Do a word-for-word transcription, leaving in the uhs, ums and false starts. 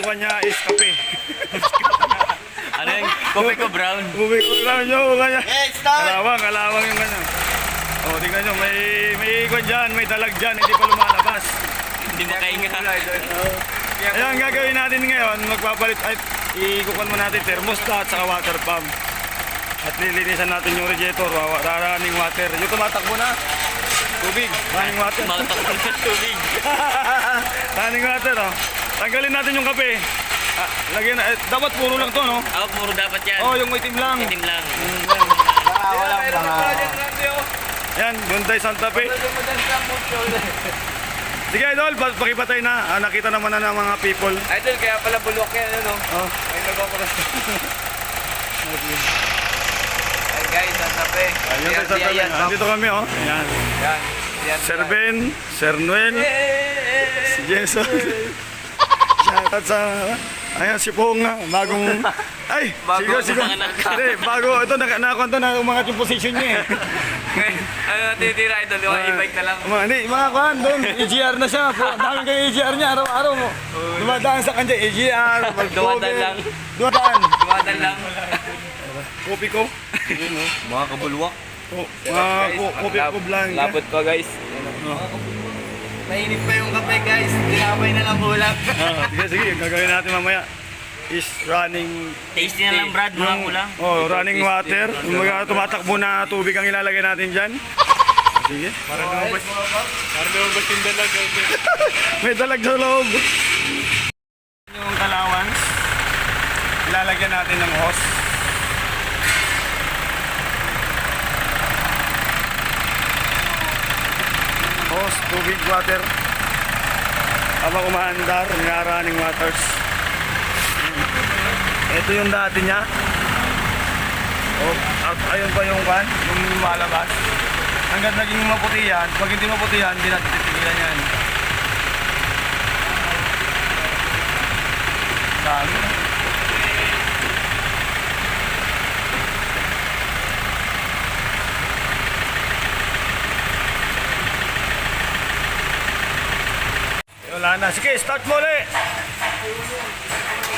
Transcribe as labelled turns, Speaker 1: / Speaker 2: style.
Speaker 1: kuha niya is kape.
Speaker 2: Ano yung kopi ko brown?
Speaker 1: Uwi ko lang nyo, kanya.
Speaker 3: Hey, start!
Speaker 1: Kalawang, kalawang yung kanya. O, tingnan nyo, may, may ikon dyan, may dalag dyan, hindi pa lumalabas.
Speaker 2: Hindi makainga.
Speaker 1: Ayan, gagawin natin ngayon, magpapalit, ay, ikukuhan mo natin thermostat sa water pump. At lilinisan natin yung radiator, wa- running water. Yung tumatakbo na, tubig, running water.
Speaker 2: Makatakbo ng tubig.
Speaker 1: Running water, oh. Tanggalin natin yung kape. Ah, lagyan na, eh, dapat puro lang to, no?
Speaker 2: Ako, puro dapat yan.
Speaker 1: Oh, yung itim lang.
Speaker 2: Itim lang.
Speaker 1: Mm, yan.
Speaker 3: Ah, walang panga.
Speaker 1: Yan, Hyundai Santa Fe. Sige, idol, pa- pakipatay na. Ah, nakita naman na ng mga people.
Speaker 3: Idol, kaya pala bulwak yan, ano?
Speaker 1: Oh.
Speaker 3: Ay, nagpaparas. Ay, guys, ang sabi.
Speaker 1: Ayun, Santa Fe.
Speaker 3: Yan,
Speaker 1: Andito kami, oh. Ayan.
Speaker 3: yan. Yan.
Speaker 1: Sir Ben, Sir Noel, si Jason. Shoutout sa... Ayan, si Pong nga. Bagong... Ay,
Speaker 3: Bago
Speaker 1: sigo, sigo.
Speaker 2: ang anak.
Speaker 1: Hindi, bago. Ito, nakakonto na umangat yung position niya, eh.
Speaker 3: Ano, titira, idol? Yung e-bike na lang.
Speaker 1: Mga, hindi, mga kuhan doon, E G R na siya. Po, dami kang E G R niya, araw-araw mo. Dumadaan sa kanya, E G R,
Speaker 2: Dumadaan lang.
Speaker 1: Dumadaan.
Speaker 3: Dumadan lang.
Speaker 1: Kopi ko.
Speaker 3: Mga kabulwak.
Speaker 1: Oh, mga ko- kopi ko blanca.
Speaker 3: Labot pa, guys. Mainit pa yung kape, guys. Tinapay na lang ulam.
Speaker 1: Ah, sige, sige, yung gagawin natin mamaya is running,
Speaker 2: Tasty na lang, Brad. Mga kulang.
Speaker 1: oh, running water. Yung mga tumatakbo na tubig ang ilalagay natin dyan. Sige.
Speaker 3: Para lumabas. Para lumabas yung dalag.
Speaker 1: May dalag sa loob. Yung kalawans, ilalagyan natin ng hose. Hose, tubig, water. Habang umaandar, yung running waters. Ito yung dati niya. Oh, at ayun pa yung kan, yung lumalabas. Hanggang naging maputi yan. Pag hindi maputi yan, hindi natin titigilan yan. Dami. Wala na. Sige, start mo ulit.